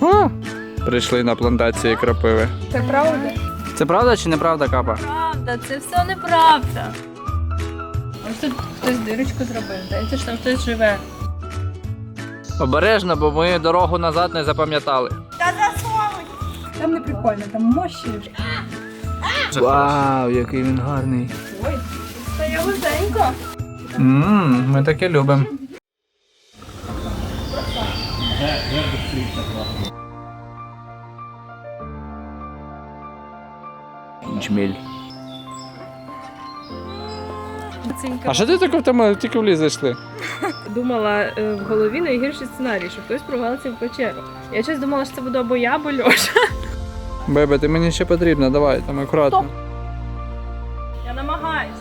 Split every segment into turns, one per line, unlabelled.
О! Прийшли на плантації крапиви.
Це правда?
Це правда чи неправда, Капа?
Правда, це все неправда. Ось тут хтось дирочку зробив, здається, що там хтось живе.
Обережно, бо ми дорогу назад не запам'ятали.
Там не прикольно, там мощі.
Вау, який він гарний.
Ой, стає вузенько.
Ми таке любимо. Джміль. А що ти таке в тему тільки в ліс зайшли?
Думала в голові найгірший сценарій, що хтось провалився в печеру. Я щось думала, що це буде або я, або Льоша.
Бебе, ти мені ще потрібна, давай, там акуратно.
Я намагаюсь.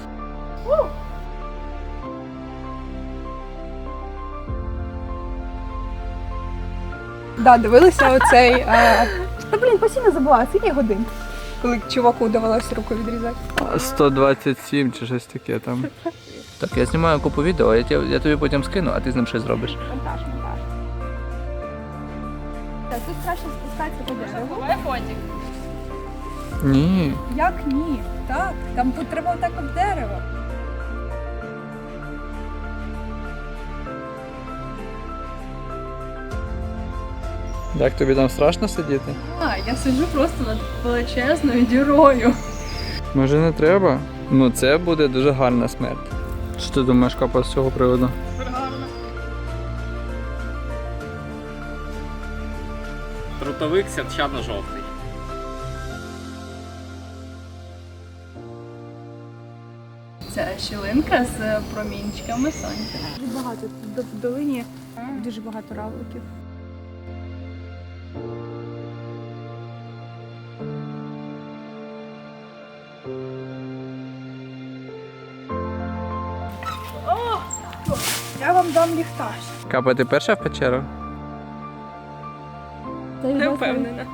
Да, дивилися оцей. Постійно забула, скільки годин, коли чуваку довелося руку відрізати.
127 чи щось таке там. Так, я знімаю купу відео, я тобі потім скину, а ти з ним щось зробиш.
Монтаж. Так, тут краще спускатися по дереву.
Давай фотик.
Ні.
Як ні? Так, там тут треба отак об дерево.
Як тобі там страшно сидіти?
Я сиджу просто над величезною дірою.
Може не треба? Ну це буде дуже гарна смерть. Що ти думаєш, Капа, з цього приводу?
Трутовик святчано-жовтий.
Це щілинка з промінчиками сонця.
Дуже багато, в долині дуже багато равликів. Я вам дам ліхтар.
Капа, ти перша в печеру?
Не впевнена.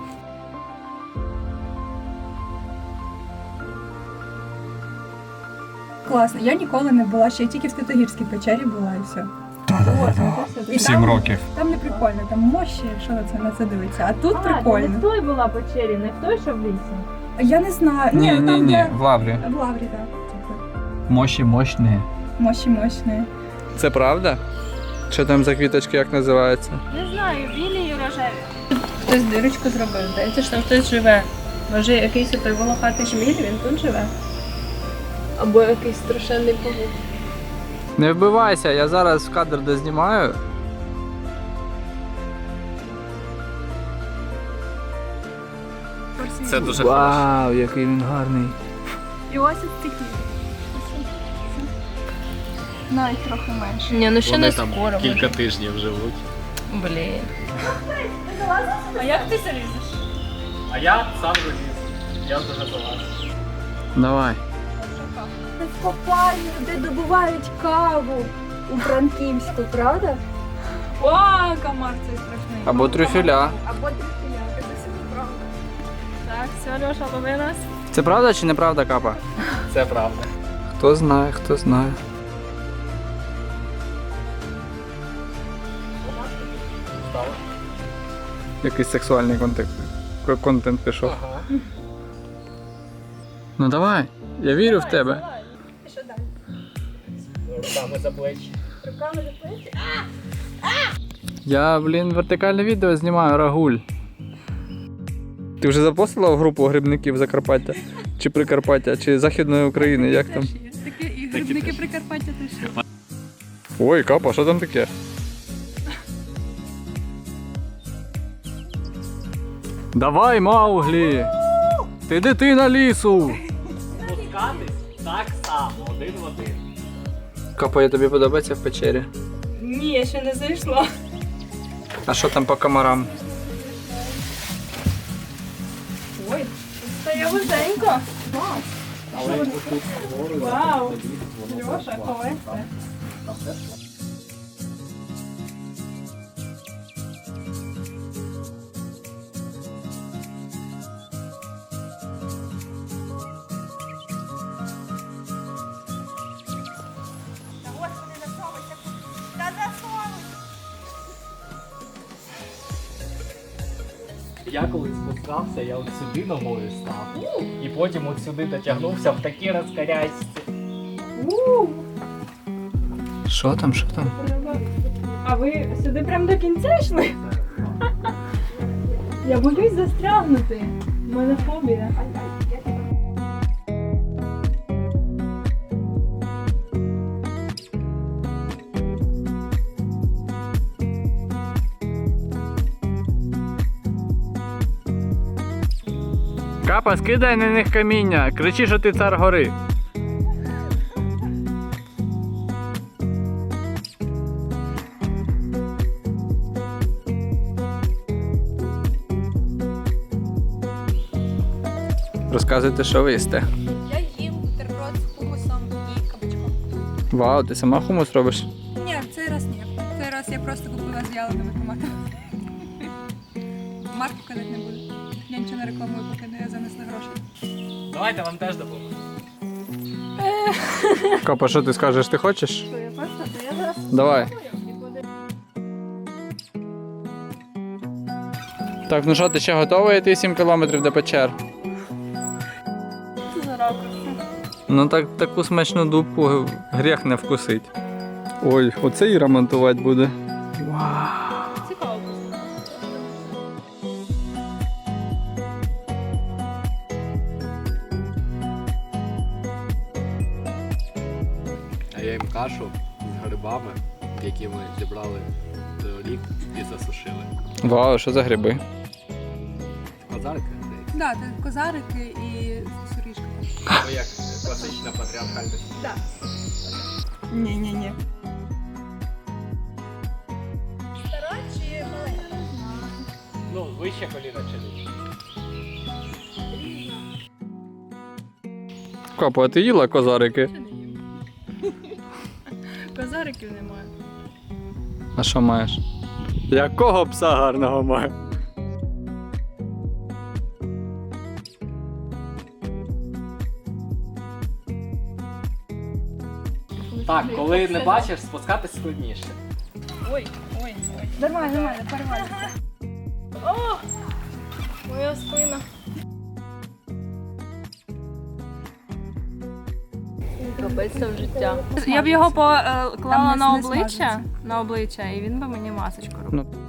Класно, я ніколи не була, ще я тільки в Святогірській печері була і все. І
7
там-
років.
Там не прикольно, там мощі, що на це дивиться. А тут прикольно.
в той була печері, не в той, що в лісі.
Я не знаю. Там де...
в лаврі.
В лаврі, так.
Мощі мощні.
Мощі мощні.
Це правда? Що там за квіточки, як називаються?
Не знаю, білі і рожеві. Хтось дирочку зробив, здається, що там хтось живе. Може, якийсь той волохатий жміль, він тут живе. Або якийсь страшенний павук.
Не вбивайся, я зараз в кадр дознімаю.
Це дуже хорошо.
Вау, який він гарний.
І ось ось такі. Навіть трохи менше.
Ні, ну ще
Вони
не
там
скоро.
кілька тижнів живуть.
Блін. А як ти залізеш?
А я сам заліз. Я дуже залазив.
Давай.
Це в копальню, де добувають каву у Франківську, правда?
О, комар цей страшний.
Або трюфеля.
Або трюфеля, це все правда.
Так, все, Льоша, лови нас.
Це правда чи неправда, Капа?
Це правда.
Хто знає, хто знає. Якийсь сексуальний контент пішов.
Ага.
Ну давай, я вірю в тебе.
І що далі?
Руками за плечі.
Руками за плечі?
Я, вертикальне відео знімаю, Рагуль. Ти вже запостила в групу грибників Закарпаття? Чи Прикарпаття, чи Західної України, як там?
Таке і грибники Прикарпаття теж.
Ой, Капа, що там таке? Давай, Мауглі! Ти дитина лісу!
Спускатись так само, один в один.
Капа, я тобі подобається в печері?
Ні, я ще не зайшла.
А що там по комарам?
Ой, тут стає вузенько.
Але тут вгору,
Вау.
тоді воно
Льоша,
так.
ховайся.
Я коли спускався, я от сюди ногою став. І потім от сюди дотягнувся в такі розкарясті.
Що там, що там?
А ви сюди прям до кінця йшли? Я боюсь застрягнути. У мене фобія.
Капа, скидай на них каміння, кричи, що ти цар гори. Розказуйте, що ви їсте.
Я їм бутерброд з хумусом і кабачком.
Вау, ти сама хумус робиш?
Ні, в цей раз ні. В цей раз я просто купила з в'яленими томатами. Марку казати не буду. Я нічого не рекламую, поки не занесли гроші.
Давайте вам теж допоможу.
Капа, що ти скажеш, ти хочеш?
Я просто, я зараз
Давай. Так, ну що, ти ще готовий йти 7 кілометрів до печер?
за ракурси.
Ну так таку смачну дубку гріх не вкусить. Ой, оце і ремонтувати буде.
Цікаво.
А я їм кашу з грибами, які ми зібрали торік і засушили.
Вау, що за гриби?
Козарки, здається.
Да, це козарики і суріжка.
Або як класична патріархальна сім'я.
Ні.
Ну, вище коліна чи ні?
Капа, а ти їла козарики?
Козариків немає.
А що маєш? Якого пса гарного маю?
Так, коли не бачиш, спускатись складніше.
Ой.
Нормально, перевально.
О! Моя спина. Капець це в життя. Я б його поклала
Там
на
не
обличчя,
смажиться.
і він би мені масочку робив.
Ну.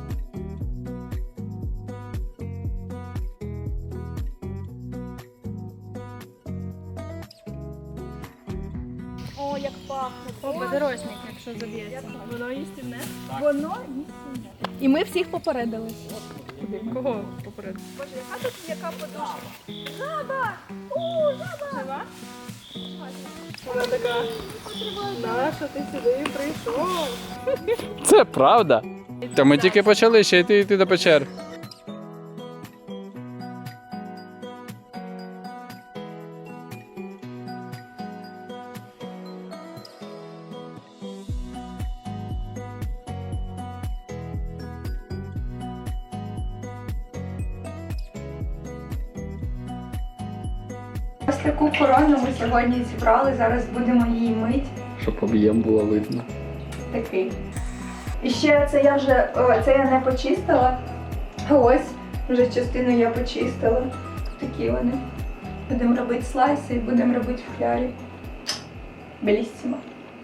О, як пахне. О, подорожник, якщо заб'ється. Воно їстівне?
Воно і ми всіх попередили.
Кого поперед?
Боже, яка тут яка подушка?
Жива? Вона така. Наша, ти сюди прийшов.
Це правда? Та ми тільки почали ще йти до печер.
Ось таку корону ми сьогодні зібрали, зараз будемо її мити.
Щоб об'єм було видно.
Такий. І ще це я не почистила. А ось вже частину я почистила. Такі вони. Будемо робити слайси і будемо робити в флярі. Беліссимо.